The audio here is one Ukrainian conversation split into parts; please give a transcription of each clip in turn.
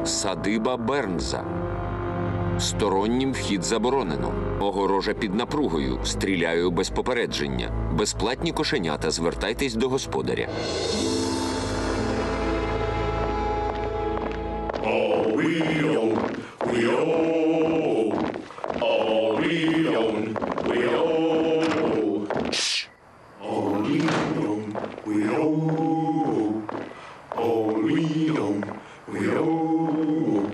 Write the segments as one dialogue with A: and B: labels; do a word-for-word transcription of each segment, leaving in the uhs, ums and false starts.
A: Садиба Бернза. Стороннім вхід заборонено. Огорожа під напругою. Стріляю без попередження. Безплатні кошенята. Звертайтесь до господаря.
B: All we own, we own. All we own, we own. Shh. All we own, we own. All we own, we own.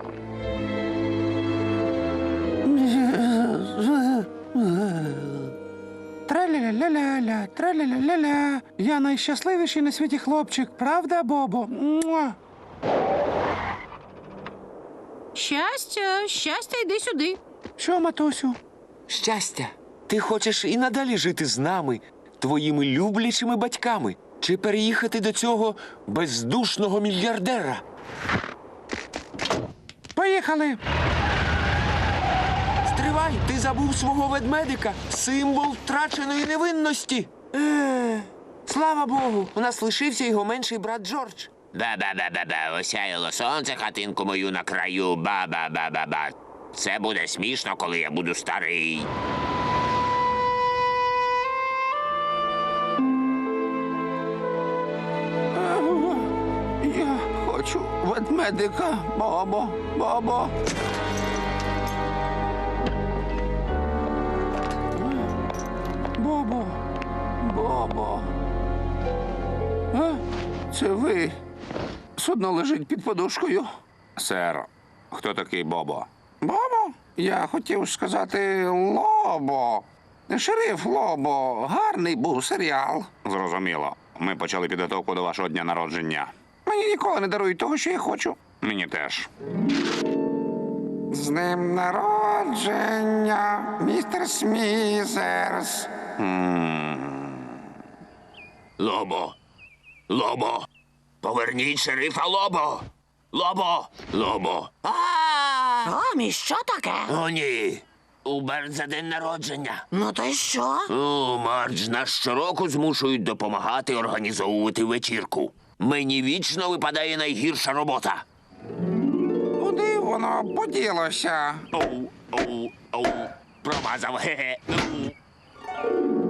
C: Траля-ля-ля-ля, траля-ля-ля-ля. Я найщасливіший на світі хлопчик, правда, Бобо? Муа.
D: Щастя, щастя, йди сюди.
C: Що, матусю?
A: Щастя, ти хочеш і надалі жити з нами, твоїми люблячими батьками, чи переїхати до цього бездушного мільярдера?
C: Поїхали!
A: Стривай, ти забув свого ведмедика, символ втраченої невинності. Е, слава Богу, у нас лишився його менший брат Джордж.
E: Ба-ба-ба-ба-ба, осяяло сонце, хатинку мою на краю, ба-ба-ба-ба-ба. Це буде смішно, коли я буду старий.
C: Я хочу ведмедика, Бобо, Бобо. Бобо, Бобо. А? Це ви. Судно лежить під подушкою.
F: Сер, хто такий Бобо?
C: Бобо? Я хотів сказати Лобо. Шериф Лобо. Гарний був серіал.
F: Зрозуміло. Ми почали підготовку до вашого дня народження.
C: Мені ніколи не дарують того, що я хочу.
F: Мені теж.
C: З днем народження, містер Смізерс.
E: Лобо! Лобо! Поверніть шерифа Лобо! Лобо! Лобо! А!
D: Томі, що таке?
E: О, ні! У Бернза день народження.
D: Ну то й що?
E: О, Мардж, нас щороку змушують допомагати організовувати вечірку. Мені вічно випадає найгірша робота.
C: Куди воно поділося?
E: Оу, оу, оу. Промазав, хе-хе. Оу.